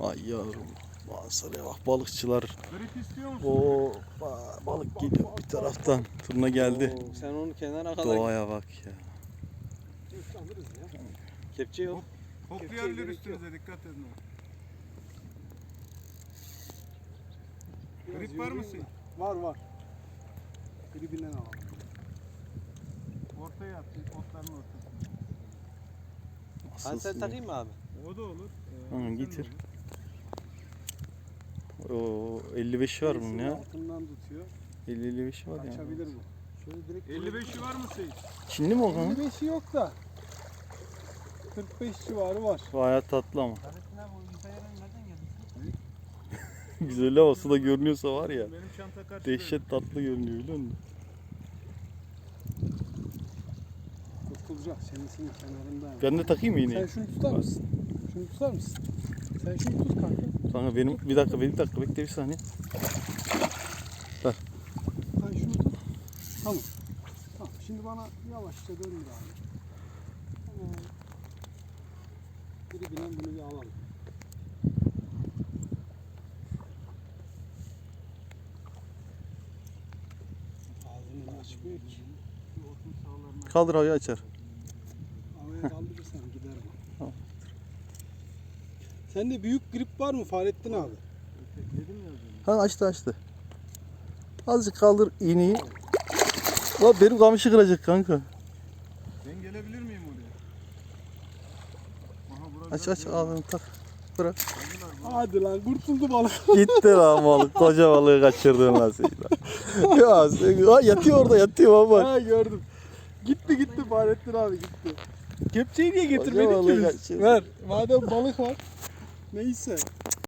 Ay yavrum. Manzaraya bak, balıkçılar. Grip istiyor musun? O balık geliyor bir taraftan. Turna geldi. Oo, sen onu kenara kadar Doğaya bak ya. alırız ya. Kepçe yok. Koklayabilir üstünüze, dikkat edin. Grip var mısın? Var var. Gribinden alalım. Ortaya at, otların ortasına. Ben sen takayım mı abi? O da olur. Hı, getir. O 55 var bunun ya. Altından tutuyor. 50-55 var ya. Açabilir bu. Şöyle direkt 55'i var mı Seyit? Çinli mi o kanka? 55'i yok da 45 civarı var. Bayağı tatlı ama. Fahrettin abi o İmpaya'dan nereden geldin? Güzel ama suda görünüyorsa var ya. Benim çanta karşıda. Dehşet tatlı görünüyor biliyor musun? Kurtulacak senesinin kenarında. Ben de takayım mı Sen iğneyi? şunu tutar mısın? Şunu tutar mısın? Sen şunu tut kanka. Kanka benim bir dakika bekle bir saniye. Sen şunu tut. Tamam. Tamam. Şimdi bana yavaşça döndür abi. Tamam. Gribinden bunu bir alalım. Ağzını açmıyor ki. Kaldır havayı açar. Havaya kaldırırsan gider bu. Tamam. Sende büyük grip var mı Fahrettin abi? Dedim ya. Ha açtı. Azıcık kaldır iğneyi. Lan benim kamışı kıracak kanka. Ben gelebilir miyim oraya? Aha, burası Aç biraz ağzını tak. Bırak. Hadi lan kurtuldu balık. Gitti lan balık. Koca balığı kaçırdın lan sen. Ya sen yatıyor orada yatıyor baba. Ha gördüm. Gitti Fahrettin abi gitti. Kepçeyi niye Koca getirmedik balığı ki biz? kaçırdı. Ver. Madem balık var. Neyse.